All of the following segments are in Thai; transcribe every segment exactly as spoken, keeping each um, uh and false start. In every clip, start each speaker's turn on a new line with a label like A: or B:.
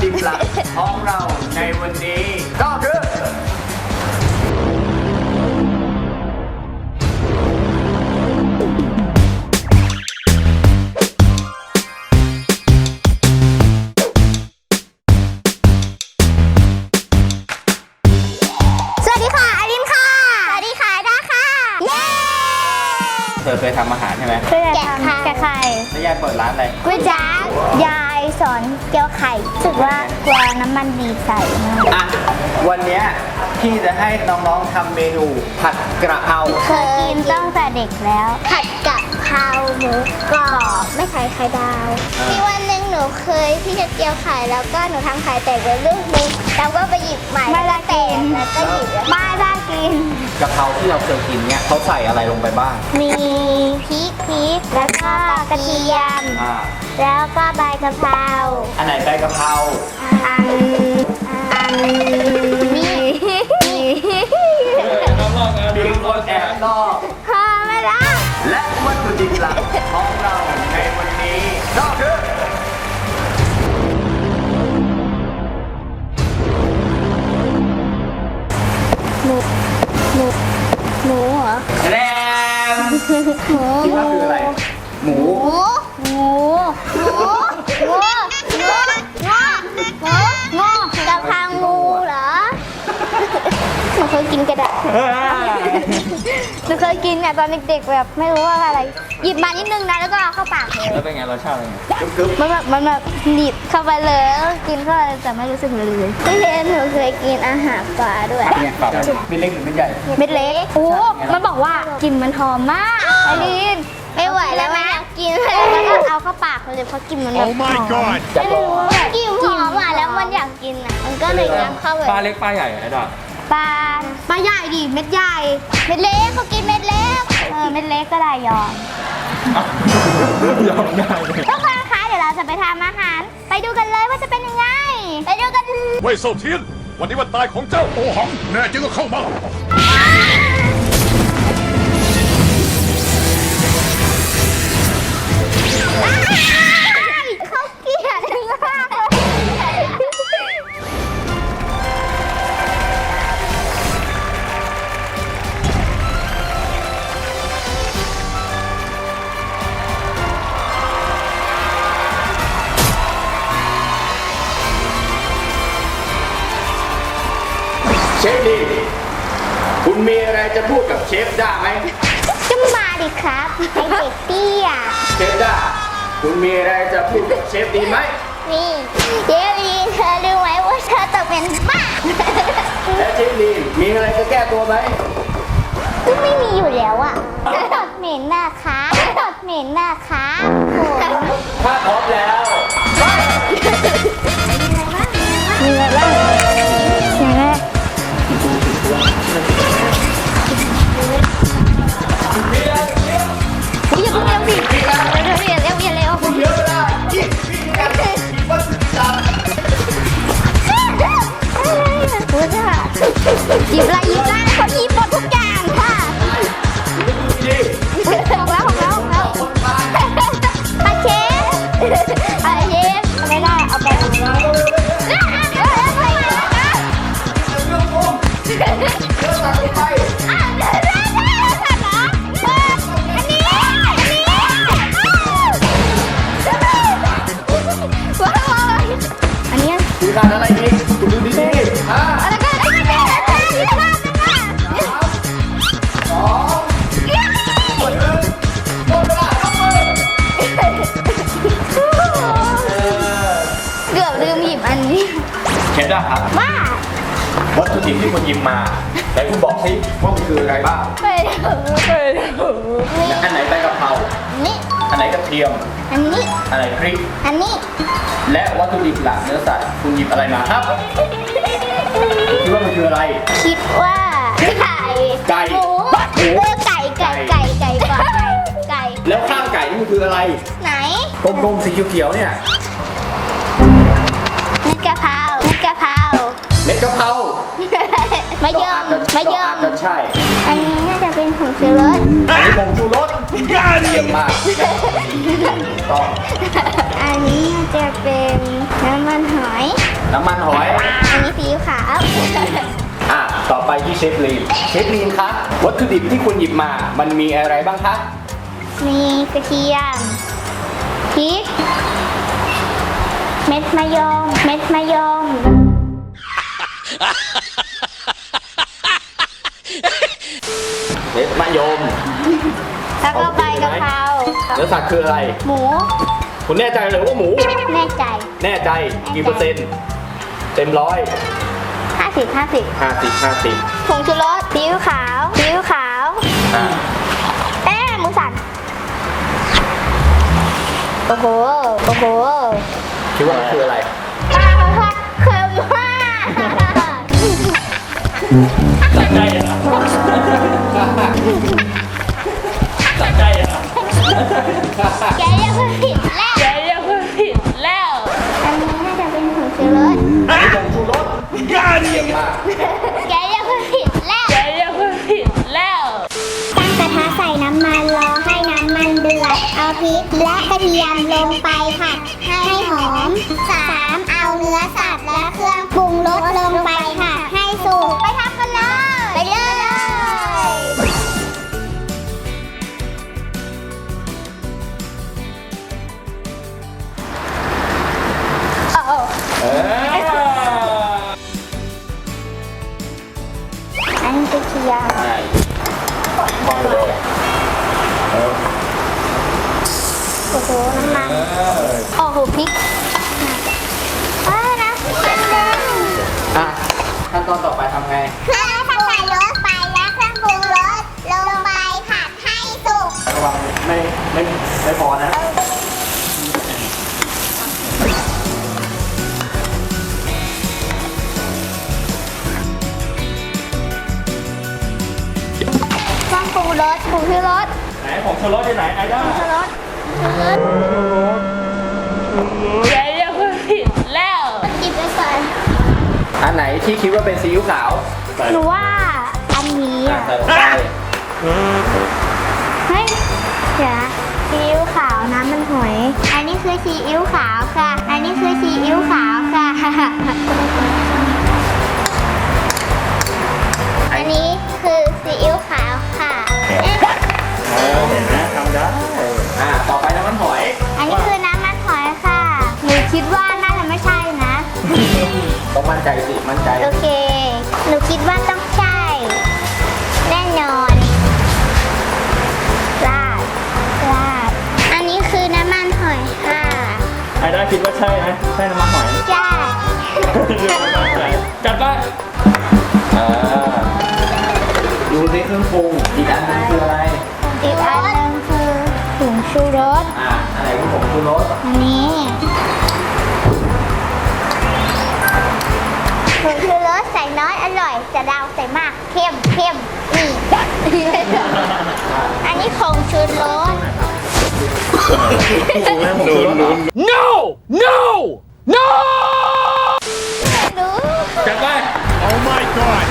A: ดิบหลักของเราในวันนี้ก็คือเธอเคยทำอาหารใช่ไหม
B: เคยทำแกะไข่
A: แล้วยายเปิดร้านอะไร
B: ก๋วยจั๊บยายสอนเกี่ยวไข่รู้สึกว่ากลัวน้ำมันดีใส่มาก
A: อ่ะวันนี้พี่จะให้น้องๆทำเมนูผัดกระเพรา
B: เคยกินตั้งแต่เด็กแล้วผัดกะเพราหมูกรอบไม่ใส่ไข่ดาวมีวันหนึ่งหนูเคยที่จะเกี่ยวไข่แล้วก็หนูทำไข่แตกไปลูกนึงแล้วก็ไปหยิบใหม่ไม่ได้กินแล้วก็หยิบไม่ได้กิน
A: กะเพราที่เราเคยกินเนี่ยเขาใส่อะไรลงไปบ้าง
B: มีพริกพริกแล้วก็กระเทียม
A: อ่า
B: แล้วก็ใบกะเพรา
A: อันไหนใบกะเพรา
B: อันอันนี่
A: มีคนแอบลอก
B: พอไม่ละ
A: และวัตถุดิบหลักของเราในวันนี้ก็คือ
B: หมูหมูหมูเหรอ
A: แรม
B: หมู
A: คิดว่าคืออะไรหมู
B: หมูหมูหมูหมูงอหมูงอกะเพรางูเหรอหนูเคยกินกระดาษหนูเคยกินเนี่ยตอนเด็กๆแบบไม่รู้ว่าอะไรหยิบมานิดนึงนะแล้วก็เอาเข้าปากเลย
A: แล้วเป็นไงรสชาติเป็นไง
B: มันแบบมันแบบหนีบเข้าไปเลยกินเข้าไปแต่ไม่รู้สึกเลยพี่เห็นหนูเคยกินอาหารปลาด้วย
A: เนี่ยปลาเม็ดเล็กหรือเม็ดใหญ่
B: เม็ดเล็กโอ้มันบอกว่ากลิ่นมันหอมมากไอรีนไม่ไหวแล้วนะกินแล้วก็เอาเข้าปากเลยเพราะกลิ่นมันแบบหอมไม่รู้แบบกลิ่นหอมอ่ะแล้วมันอยากกินอ่ะมันก็เลยน้ำเข้าไป
A: ปลาเล็กปลาใหญ่ไอ้ดอก
B: ปลาปลาใหญ่ดิเม็ดใหญ่เม็ดเล็กเขากินเม็ดเล็กเออเม็ดเล็กก็ได้ยอม
A: ยอมได้
B: ทุกคนคะเดี๋ยวเราจะไปทำอาหารไปดูกันเลยว่าจะเป็นยังไงไปดูกัน
C: เว่ยเซาเทียนวันนี้วันตายของเจ้าโอหังแน่จริงก็เข้ามา
B: เขาเกลียดมากเลย
A: เชฟดีคุณมีอะไรจะพูดกับเชฟด้าไหม
B: ก็มาดิครับไอเด็กเตี้ย
A: เชฟด้าคุณมีอะไรจะพูดกับเชฟดีไหม
B: นี่เชฟดีเธอรู้ไหมว่าเธอต้องเป็นบ้า
A: และเชฟดีมีอะไรจะแก้ตัวไหม
B: ก็ไม่มีอยู่แล้วอ่ะตดเหม็นนะคะตดเหม็นนะคะ
A: ถ้าพร้อมแล้ว
B: มีอะไรบ้างอย่างแรกอย่าเพิ่งเร็วสิเร็วเร็วเร็วเร็วเร็ว
A: เยอะได้ยิ่งยิ่งกันวัตถุดิบจับ
B: พูดค่ะหยิบอะไรหยิบอะไรคนหยิบหมดทุกอย่างค่ะของแล้วของแล้วของแล้วปลาเชฟปลาเชฟไม่ได้เอาไปอันนี้
A: คือการอะไรอีกคุณดูดีๆอ่า
B: อะไรกันอะไรกันอะไรกัน
A: สองหมดเลยหมดเวลาเข้ามือ
B: เกือบลืมหยิบอันนี้
A: เชฟด้าครับ
B: ว่า
A: วัตถุดิบที่คุณหยิบมาแต่คุณบอกให้ว่ามันคืออะไรบ้าง
B: ไปดูไปดู
A: อันไหนใบกะเพรา
B: นี่
A: อันไหนกระเทียม
B: อันนี้
A: อันไหนพริก
B: อันนี้
A: และวัตถุดิบหลักเนื้อสัตว์คุณหยิบอะไรมาครับคิดว่ามันคืออะไร
B: คิดว่าไก่
A: ไก่
B: หมูเออไก่ไก่ไก่ไก่ก่อนไก่
A: แล้วข้างไก่นี่มันคืออะไร
B: ไหน
A: กลมๆสีเขียวๆเนี่ย
B: เม็ดกะเพราเม็ดกะเพรา
A: เม็ดกะเพรา
B: มะยมมะย
A: ก็อาจ
B: ม
A: จะใช่
B: อันนี้น่าจะเป็นผงชูรส
A: อันนี้ผงชูรสเยี่ยมมากต้อง
B: อันนี้น่าจะเป็นน้ำมันหอย
A: น้ำมันหอย
B: อันนี้ซีอิ๊วขาว
A: อ่ะต่อไปที่เชฟลีนเชฟลีนคะวัตถุดิบที่คุณหยิบมามันมีอะไรบ้างคะ
B: มีกระเทียมพริก เม็ดมะยม เม็ดมะยม
A: เม็ดมะยม
B: แล้วก็ใบกะเพรา
A: เนื้อสัตว์คืออะไร
B: หมู
A: คุณแน่ใจเลยว่าหมู
B: แน่ใจ
A: แน่ใจกี่เปอร์เซ็นต์เต็มร้อย
B: ห้าสิบ ห้าสิบ
A: ห้าสิบห้าสิบ
B: ผงชูรสซีอิ๊วขาวซีอิ๊วขาว
A: อ่า
B: เอ๊ะหมูสันโอ้โห โอ้โห
A: คิดว่ามันคืออะไร
B: ปลาผัดเค็มมาก
A: จัดใจอ่ะจัดใจอ่ะ
B: แกยังพูดผิดแล้ว
D: แกยังพูดผิดแล้ว
B: อันนี้น่าจะเป็นผงชูรส
A: อันนี้ผงชูรสเยี่ยมมาก
B: แกยังพูดผิดแล้ว
D: แกยังพูดผิดแล้ว
B: ตั้งกระทะใส่น้ำมันรอให้น้ำมันเดือด เอาพริกและกระเทียมลงไปผัดให้หอม สามเอาเนื้อสัตว์และเครื่องปรุงรสลงไปผัดให้สุก ไปทำกันเลย ไปเลยโอ้โห
A: เออ
B: อันนี้กระเทียม
A: ใช่มองเลยเออ
B: โอ้โห น้ำมัน โอ้โห พริกอ้าวน้ำพริกแดง
A: อ่ะขั้นตอนต่อไปทำไง
B: เครื่องใส่รสไปและเครื่องปรุงรสลงไปผัดให้สุก
A: ระวังไม่ไม่ไม่พอนะ
B: เครื่องปรุงรสผงชูรส
A: ไหนของชูรสที่ไหนไอ้ด้า
B: ผงชูรสผงชูรส
D: แกยังพูดผิดแล้ว
B: จิบไปก่อน
A: อันไหนที่คิดว่าเป็นซีอิ๊วขาวใส่
B: หนูว่าอันนี้
A: อ่ะ
B: อ่ะ
A: ใส่ลงไป
B: เฮ้ยเดี๋ยวนะซีอิ๊วขาวน้ำมันหอย อันนี้คือซีอิ๊วขาวค่ะ อันนี้คือซีอิ๊วขาวค่ะ อันนี้คือซีอิ๊วขาวค่ะเอ๊ะ
A: เออเห็นไหมทำได้อ่ะต่อไปน้ำมันหอย
B: อันนี้คือน้ำมันหอยค่ะ หนูคิดว่าน่าจะไม่ใช่นะ
A: ต้องมั่นใจสิมั่นใจ
B: โอเค หนูคิดว่าต้องใช่ แน่นอนราดราดอันนี้คือน้ำมันหอยค่ะ
E: ไอ้ด้าคิดว่าใช่ไหมใช่น้ำมันหอย
B: ใช่
E: จัดไป
A: อ่าดูในเครื่องปรุงอีกอันหนึงคืออะไร
B: อีกอันหนึงคือผงชูรส
A: อ่าอันไหนคือผงชูรส
B: อันนี้ผงชูรสใส่น้อยอร่อยจะดาวใส่มากเข้มเข้มนี่ อันนี้ผงชูรส
A: ผงชูรสเหรอ
E: no no no
B: รู้
E: จัดไป
C: Oh my god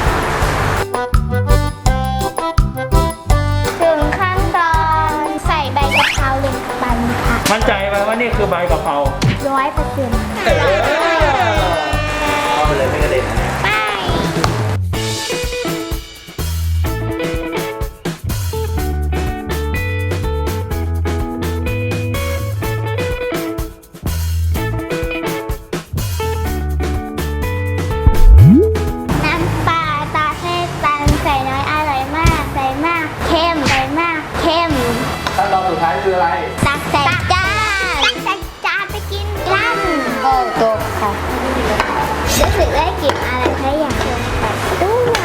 B: ถึงขั้นตอนใส่ใบกะเพราลงไปค่ะ
E: มั่นใจไหมว่านี่คือใบกะเพรา
B: ร้อยเปอร์เซ็นต์
A: เออเอาไปเลยไม่กระเด็นนะเนี่ย
B: ไปน้ำปลาตาเทศตันใส่น้อยอร่อยมาก ใส่มากเข้มใส่มากเข้ม
A: ขั้นตอนสุดท้ายคืออะไร
B: ตักใส่จานตักใส่จานไปกินกันโอ้ตกค่ะรู้สึกได้กลิ่นอะไรใครอยากลองแบบด้วย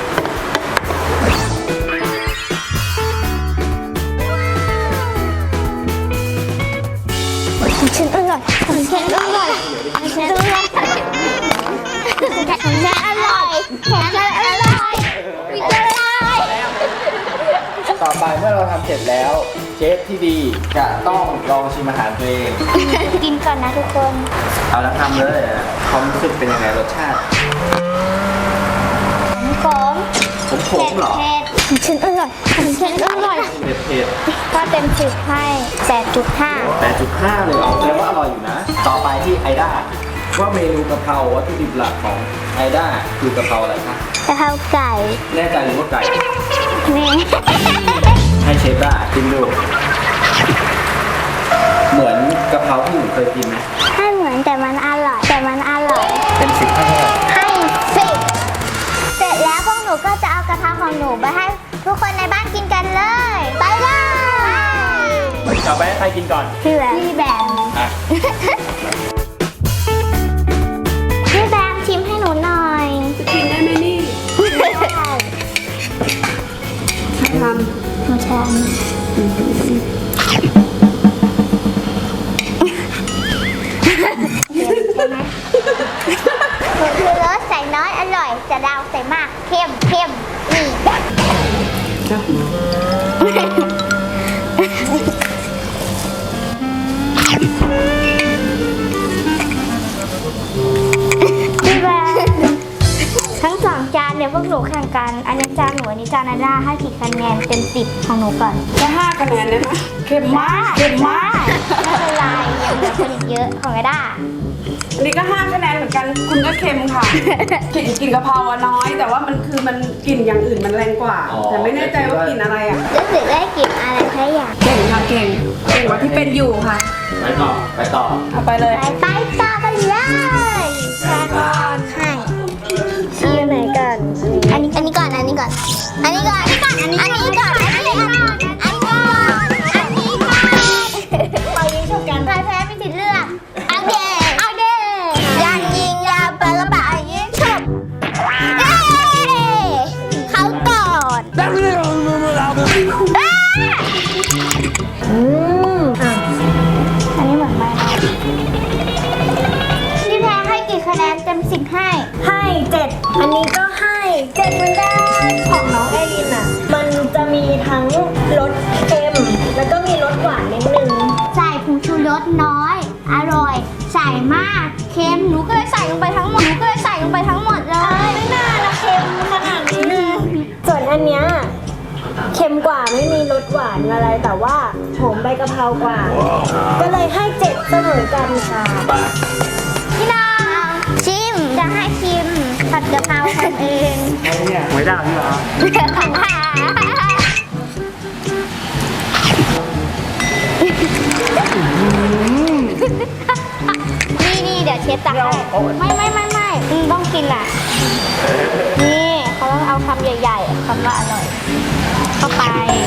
B: ของฉันอร่อยของฉันอร่อยของฉันอร่อยของฉันอร่อยของฉันอร่อยมีอร่อย
A: ต่อไปเมื่อเราทำเสร็จแล้ว เชฟที่ดีจะต้องลองชิมอาหารตัวเอง
B: กินก่อนนะทุกคน
A: เอาแล้วทำเลยความรู้สึกเป็นยังไงรสชาติ
B: ทุกคม
A: ผมขมเหรอ
B: เผ็ดฉันอร่อยฉันอร่อย
A: เผ็ดเผ็ด
B: ก็เต็มสิบให้แปดจุดห้า
A: แปดจุดห้าเลยเหรอแสดงว่าอร่อยอยู่นะ ต่อไปที่ไอด้าว่าเมนูกะเพราวัตถุดิบหลักของไอด้าคือกะเพราอะไรคะ
B: กะเพราไก่
A: แน่ใจหรือว่าไก่
B: นี่
A: ให้เชฟด้ากินดูเหมือนกะเพราที่หนูเคยกินไหม
B: ให้เหมือนแต่มันอร่อย แต่มันอร่อย
A: เป็นสิบให้เท่าไหร่
B: ให้สิบเสร็จแล้วพวกหนูก็จะเอากะเพราของหนูไปให้ทุกคนในบ้านกินกันเลย ไปเลย
E: ต่อไปให้ใครกินก่อน
B: พี่แบมพี่แบม
A: อ่ะ
B: พี่แบมชิมให้หนูหน่อย
D: กินได้ไหมนี่
B: ได้
D: ท
B: หนูชอบหนูคือรสใส่น้อยอร่อยจะดาวใส่มากเข้มเข้มนี่พี่แบมทั้งสองจานเนี่ยพวกหนูแข่งกัน อันนี้จานหนูอันนี้จานนาด้าให้กี่คะแนนเต็มสิบของหนูก่อน
D: ำจะห้าคะแนนได้ไหมเค็มมากเค็มมาก
B: ไม่เป็นไรยังเหลือคนอีกเยอะของนาด้า
D: อันนี้ก็ห้าคะแนนเหมือนกัน คุณก็เค็มค่ะ กลิ่นกลิ่นกะเพราอะน้อย แต่ว่ามันคือมันกลิ่นอย่างอื่นมันแรงกว่า แต่ไม่แน่ใจว่ากลิ่นอะไรอ่ะ
B: รู้สึกได้กลิ่นอะไรแค่อย่าง
D: เก่งค่ะเก่งเก่งกว่าที่เป็นอยู่ค่ะ
A: ไปต่อไปต่อ
D: เอาไปเลย
B: ไปไปต่อกันเลยแค่ก่อนให้ชี้ไหนก่อนอันนี้อันนี้ก่อนอันนี้ก่อนอันนี้ก่อนอันนี้ก่อนอันนี้ก่อนอันนี้ก่อนอันนี้ก่อนอันนี้ก่อนไปยิงฉุกกันใครแพ้ไม่ติดเลือกเอาเดเอาเดยังยิงยาวไปแล้วไปยิงฉุกเย้เขาก่อนอืมอ่ะอันนี้เหมือนไม่พี่แพ้ให้กี่คะแนนเต็มสิบให้
F: ให้เจ็ดอันนี้ก็ให้เจ็ดเหมือนกันของน้องไอรินอ่ะ มันจะมีทั้งรสเค็ม แล้วก็มีรสหวานนิดนึง
B: ใส่ผงชูรสน้อย อร่อย ใส่มากเค็มหนูก็เลยใส่ลงไปทั้งหมดหนูก็เลยใส่ลงไปทั้งหมดเลย
F: ไม่น่าละเค็มขนาดนี้ ส่วนอันเนี้ยเค็มกว่าไม่มีรสหวานอะไร แต่ว่าหอมใบกะเพรากว่า ก็เลยให้เจ็ดเสมอกันค่ะ
B: พี่น้องชิมจะให้ชิมผัดกะเพราคนเอง
E: ไอ้เนี่ยหวยดาวนี่เหรอ
B: ของหานี่นี่เดี๋ยวเชฟตักให้ไม่ไม่ไม่ไม่อืมต้องกินอ่ะ นี่เขาต้องเอาคำใหญ่ๆคำว่าอร่อย เข้าไป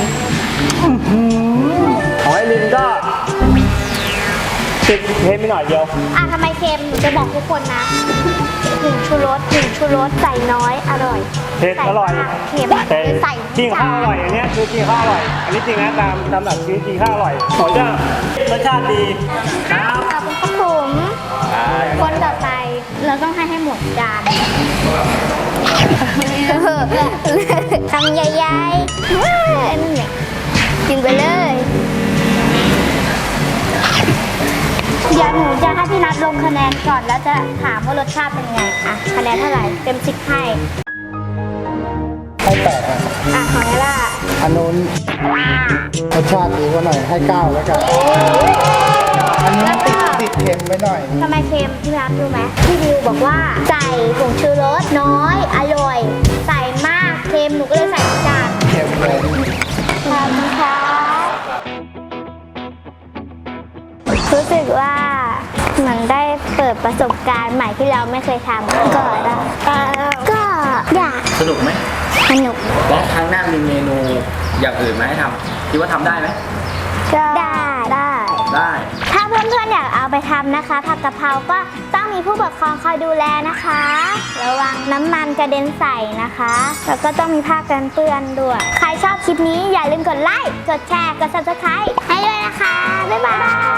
E: ของไอรินก็ติดเค็มไปหน่อยเดียว
B: อ่ะทำไมเค็มหนูจะบอกทุกคนนะหนึ่งชูรสหนึ่งชูรสใส่น้อยอร่อย
E: เผ็ดอร่อย
B: ใส่มากเค็ม
E: แต่
B: ใส่
E: จริงข้าวอร่อยอันเนี้ยคือจริงข้าวอร่อย อันนี้จริงนะตามตามหลักชีวิตจริงข้าวอร่อยหอยจะรสชาติดีครับ
B: ขอบคุณครับผมคนต่อไปเราต้องให้ให้หมดจานทำใหญ่ๆว้าวนั่นแหละกินไปเลยเดี๋ยวหนูจะให้พี่นัทลงคะแนนก่อนแล้วจะถามว่ารสชาติเป็นไงอ่ะคะแนนเท่าไหร่เต็มสิบให้
G: ให้แปดอ่ะ
B: อ่ะของเอล่า
G: อันนู้นรสชาติดีกว่าหน่อยให้เก้าแล้วกัน อันนี้
B: แล้ว
G: ติ
B: ก็
G: ดติดเค็มไปหน่อย
B: ทำไมเค็มพี่นัทรู้ไหมพี่ดิวบอกว่าใส่ผงชูรสน้อยอร่อย ใส่มากเค็มหนูก็เลยใส่จาน
G: เค็มเลย
B: ขอบคุณครับรู้สึกว่าเหมือนได้เปิดประสบการณ์ใหม่ที่เราไม่เคยทำก็ได้ก็อยาก
A: สนุกไหม
B: สนุก
A: แล้วครั้งหน้ามีเมนูอย่างอื่นมาให้ทำคิดว่าทำได้ไหม
B: ก็ได้ได้
A: ได้
B: ถ้าเพื่อนๆอยากเอาไปทำนะคะผัดกะเพราก็ต้องมีผู้ปกครองคอยดูแลนะคะ ระวังน้ำมันกระเด็นใส่นะคะ แล้วก็ต้องมีผ้ากันเปื้อนด้วย ใครชอบคลิปนี้อย่าลืมกดไลค์ กดแชร์ กด ซับสไครบ์ ให้ด้วยนะคะ บ๊ายบาย